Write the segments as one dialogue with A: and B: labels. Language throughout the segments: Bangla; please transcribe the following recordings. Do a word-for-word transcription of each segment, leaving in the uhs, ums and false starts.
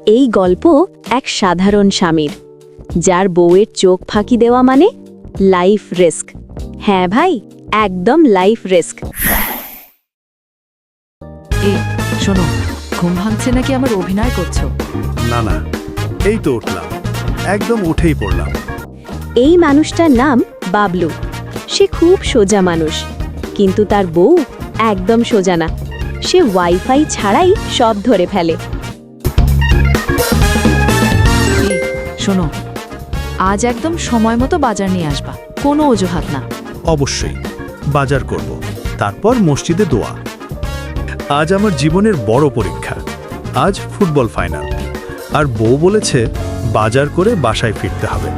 A: এই গল্প এক সাধারণ স্বামীর, যার বউয়ের চোখ ফাঁকি দেওয়া মানে লাইফ রিস্ক। হ্যাঁ ভাই, একদম লাইফ রিস্ক।
B: এই শোনো, ঘুম ভাঙছে নাকি আমার অভিনয় করছো?
C: না না, এই তো উঠলাম, একদম উঠেই পড়লাম।
A: এই মানুষটার নাম বাবলু। সে খুব সোজা মানুষ, কিন্তু তার বউ একদম সোজা না। সে ওয়াইফাই ছাড়াই সব ধরে ফেলে।
B: এই শোনো, আজ একদম সময় মতো বাজার নিয়ে আসবা, কোনো অজুহাত না।
C: অবশ্যই বাজার করব, তারপর মসজিদে দোয়া। আজ আমার জীবনের বড় পরীক্ষা। আজ ফুটবল ফাইনাল, আর বউ বলেছে বাজার করে বাসায় ফিরতে হবে।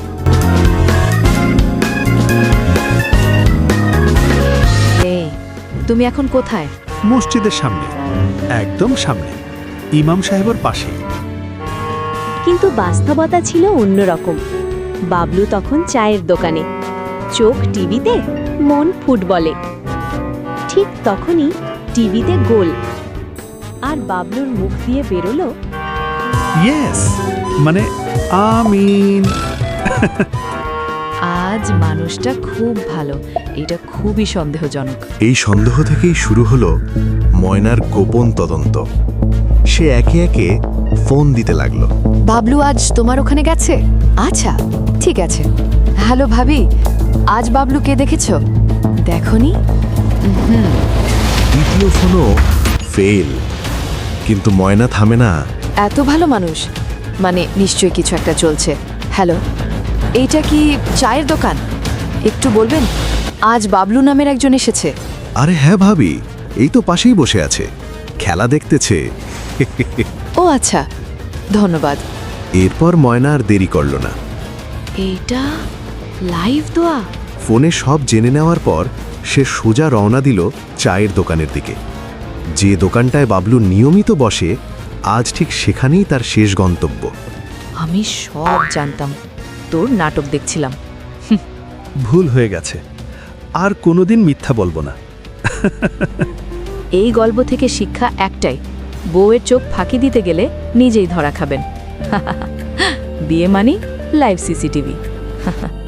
B: এই, তুমি এখন কোথায়?
C: মসজিদের সামনে, একদম সামনে, ইমাম সাহেবের পাশেই।
A: কিন্তু বাস্তবতা ছিল অন্যরকম। বাবলু তখন চায়ের দোকানে, চোখ টিভিতে, মন ফুটবলে। ঠিক তখনই টিভিতে গোল, আর বাবলুর মুখ দিয়ে বেরোলো,
C: ইয়েস, মানে আমিন।
B: আজ মানুষটা খুব ভালো, এটা খুবই সন্দেহজনক।
D: এই সন্দেহ থেকেই শুরু হলো ময়নার গোপন তদন্ত। সে একে একে ফোন দিতে লাগলো।
E: বাবলু আজ তোমার ওখানে গেছে? আচ্ছা, ঠিক আছে। হ্যালো ভাবি, আজ বাবলুকে দেখেছ? দেখনি? হুম।
D: দ্বিতীয় ফোনও ফেল, কিন্তু ময়না থামে না।
E: এত ভালো মানুষ, মানে নিশ্চয়ই কিছু একটা চলছে। হ্যালো, এইটা কি চায়ের দোকান? একটু বলবেন, আজ বাবলু নামের একজন এসেছে।
D: আরে হ্যাঁ ভাবি, এই তো পাশেই বসে আছে, খেলা দেখতেছে।
E: ও আচ্ছা, ধন্যবাদ।
D: এরপর ময়না আর দেরি করল না।
E: এইটা লাইভ দোয়া?
D: ফোনে সব জেনে নেওয়ার পর সে সোজা রওনা দিল চায়ের দোকানের দিকে। যে দোকানটায় বাবলু নিয়মিত বসে, আজ ঠিক সেখানেই তার শেষ গন্তব্য।
B: আমি সব জানতাম, তোর নাটক দেখছিলাম।
C: ভুল হয়ে গেছে, আর কোনোদিন মিথ্যা বলবো না।
B: এই গল্প থেকে শিক্ষা একটাই, বউয়ের চোখ ফাঁকি দিতে গেলে নিজেই ধরা খাবেন। বিয়ে মানি লাইভ সিসিটিভি।